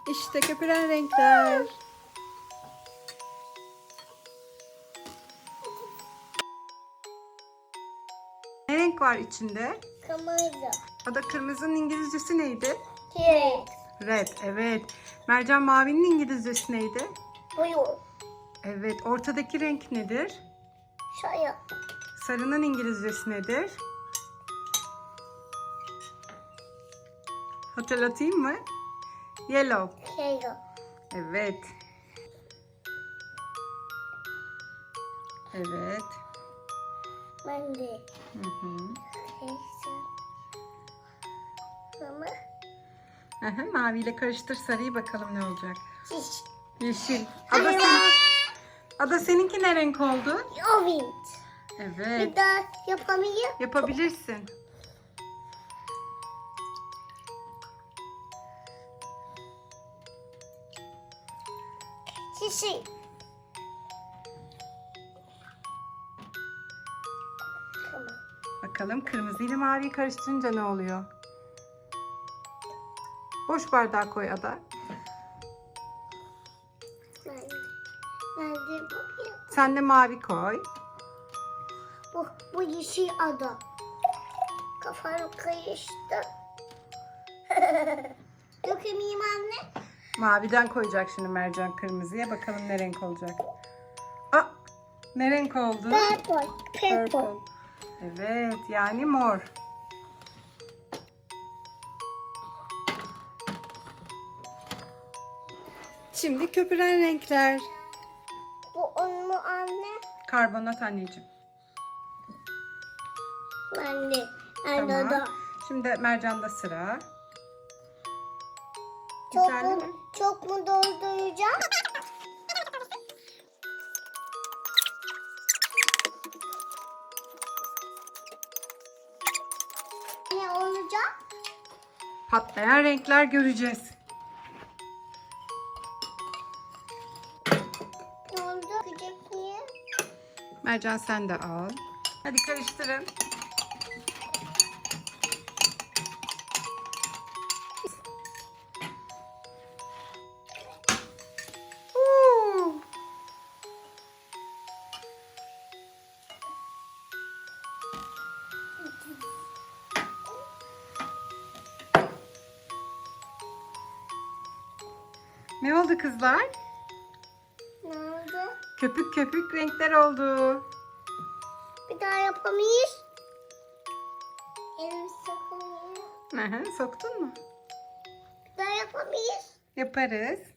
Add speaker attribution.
Speaker 1: İşte köpüren renkler. Ne renk var içinde?
Speaker 2: Kırmızı.
Speaker 1: O da kırmızının İngilizcesi neydi?
Speaker 2: Red.
Speaker 1: Red, evet. Mercan mavinin İngilizcesi neydi?
Speaker 2: Blue.
Speaker 1: Evet. Ortadaki renk nedir?
Speaker 2: Sarı.
Speaker 1: Sarının İngilizcesi nedir? Hatırlatayım mı? Yellow.
Speaker 2: Yellow.
Speaker 1: Evet. Evet.
Speaker 2: Ben de.
Speaker 1: Hı hı.
Speaker 2: Mama.
Speaker 1: Aha, maviyle karıştır sarıyı, bakalım ne olacak.
Speaker 2: Şiş.
Speaker 1: Yeşil. Ada seninki ne renk oldu?
Speaker 2: Orange.
Speaker 1: Evet.
Speaker 2: Bir daha yapamayayım.
Speaker 1: Yapabilirsin.
Speaker 2: Şişi. Tamam.
Speaker 1: Bakalım kırmızı ile maviyi karıştırınca ne oluyor? Boş bardağa koy Ada.
Speaker 2: Ben de bu.
Speaker 1: Sen de mavi koy.
Speaker 2: Bu yeşil ada. Kafam karıştı. Dökemeyeyim anne.
Speaker 1: Maviden koyacak şimdi Mercan kırmızıya. Bakalım ne renk olacak. Aa, ne renk oldu?
Speaker 2: Purple.
Speaker 1: Purple. Evet, yani mor. Şimdi köpüren renkler.
Speaker 2: Bu un mu anne?
Speaker 1: Karbonat anneciğim.
Speaker 2: Ben de.
Speaker 1: Tamam.
Speaker 2: Anne da.
Speaker 1: Şimdi Mercan'da sıra.
Speaker 2: Çok
Speaker 1: Güzel değil mi?
Speaker 2: mu, çok mu dolduracağım? Ne olacak?
Speaker 1: Patlayan renkler göreceğiz.
Speaker 2: Ne oldu? Gıcık niye?
Speaker 1: Mercan sen de al. Hadi karıştırın. Oo. Ne oldu kızlar?
Speaker 2: Ne oldu?
Speaker 1: Köpük köpük renkler oldu.
Speaker 2: Bir daha yapamayız. Elimi sokamıyor.
Speaker 1: Aha, soktun mu?
Speaker 2: Bir daha yapamayız.
Speaker 1: Yaparız.